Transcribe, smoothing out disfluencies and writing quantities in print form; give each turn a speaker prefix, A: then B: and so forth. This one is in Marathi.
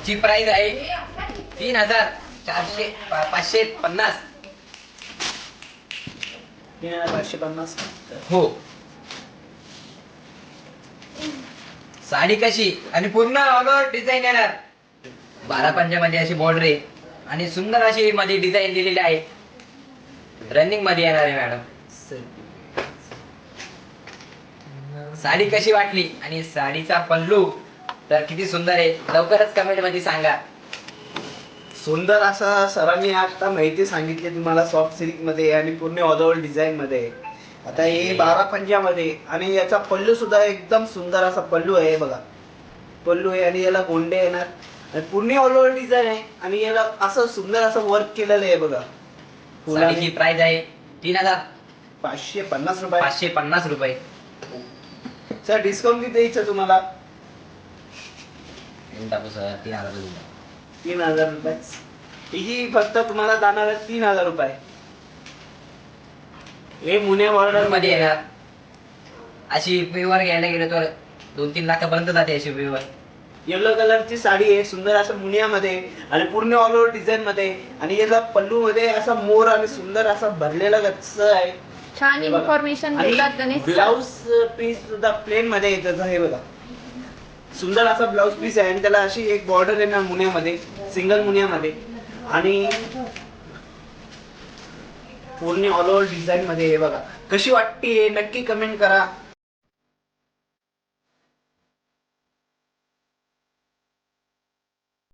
A: हिची प्राइस आहे 550.
B: 3550.
A: हो. साडी कशी आणि पूर्ण ऑल ओव्हर डिझाईन येणार. 12 पंजामध्ये अशी बॉर्डर आहे आणि सुंदर अशी मध्ये डिझाईन दिलेली आहे. रनिंग मध्ये येणार आहे मॅडम. साडी कशी वाटली आणि साडीचा पल्लू तर किती सुंदर आहे, लवकरच कमेंट मध्ये सांगा.
B: सुंदर असा सरांनी आता माहिती सांगितली तुम्हाला सॉफ्ट सिल्क मध्ये आणि पूर्ण ऑल ओव्हर डिझाईन मध्ये. आता हे 12 पंजामध्ये आणि याचा पल्लू सुद्धा एकदम सुंदर असा पल्लू आहे बघा. पल्लू आहे आणि याला गोंडे येणार आणि पूर्ण ऑल ओव्हर डिझाईन आहे आणि याला असं सुंदर असं वर्क केलेलं आहे बघा.
A: साडीची प्राइस आहे
B: 3550 रुपये.
A: 550 रुपये.
B: सर डिस्काउंट किती द्यायचं तुम्हाला? 3000 रुपये. ही फक्त तुम्हाला जाणार आहे 3000 रुपये. हे मुन्या बॉर्डर
A: मध्ये येणार. अशी पेवर घ्यायला गेलो तर 2-3 लाखापर्यंत जाते अशी पेवर.
B: येलो कलरची साडी आहे सुंदर असं मुनियामध्ये आणि पूर्ण ऑल ओव्हर डिझाईन मध्ये आणि याचा पल्लू मध्ये असा मोर आणि सुंदर असा भरलेला गच्च आहे.
C: छान इन्फॉर्मेशन देतात गणेश.
B: ब्लाउज पीस सुद्धा प्लेन मध्ये येतं हे बघा. सुंदर असा ब्लाउज पीस आहे आणि त्याला अशी एक बॉर्डर येणार मुन्यामध्ये, सिंगल मुन्यामध्ये आणि पूर्ण ऑल ओव्हर डिझाईन मध्ये हे बघा. कशी वाटते नक्की कमेंट करा.